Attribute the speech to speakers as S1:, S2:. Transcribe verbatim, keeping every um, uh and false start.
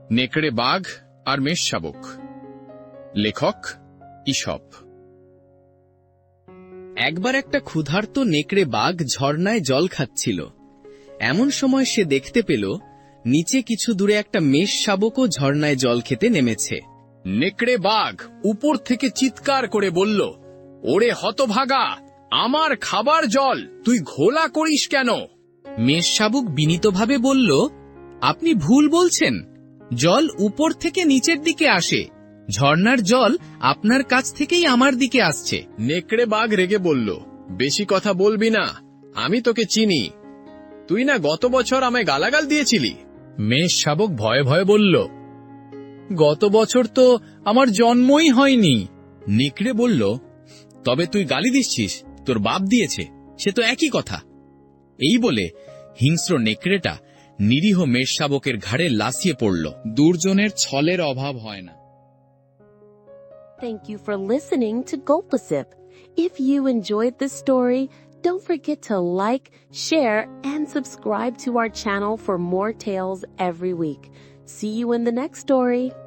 S1: নেকড়ে বাঘ আর মেষ শাবক। লেখক ঈশপ।
S2: একবার একটা ক্ষুধার্ত নেকড়ে বাঘ ঝর্ণায় জল খাচ্ছিল। এমন সময় সে দেখতে পেল নিচে কিছু দূরে একটা মেষ শাবকও ঝর্ণায় জল খেতে নেমেছে।
S1: নেকড়ে বাঘ উপর থেকে চিৎকার করে বলল, ওরে হতভাগা, আমার খাবার জল তুই ঘোলা করিস কেন?
S2: মেষ শাবক বিনীতভাবে বলল, আপনি ভুল বলছেন। জল উপর থেকে নিচের দিকে আসে, ঝর্ণার জল আপনার কাছ থেকেই আমার দিকে আসছে।
S1: নেকড়ে বাঘ রেগে বলল, বেশি কথা বলবি না, আমি তোকে চিনি। তুই না গত বছর আমায় গালাগাল দিয়েছিলি। মেষ শাবক ভয়ে ভয়ে বলল, গত বছর তো আমার জন্মই হয়নি।
S2: নেকড়ে বলল, তবে তুই গালি দিচ্ছিস, তোর বাপ দিয়েছে, সে তো একই কথা। এই বলে হিংস্র নেকড়েটা নিরীহ মেষ শাবকের ঘাড়ে লাফিয়ে পড়ল। দুর্জনের ছলের অভাব হয় না।
S3: Thank you for listening to Gulpasip. If you enjoyed this story, don't forget to like, share, and subscribe to our channel for more tales every week. See you in the next story.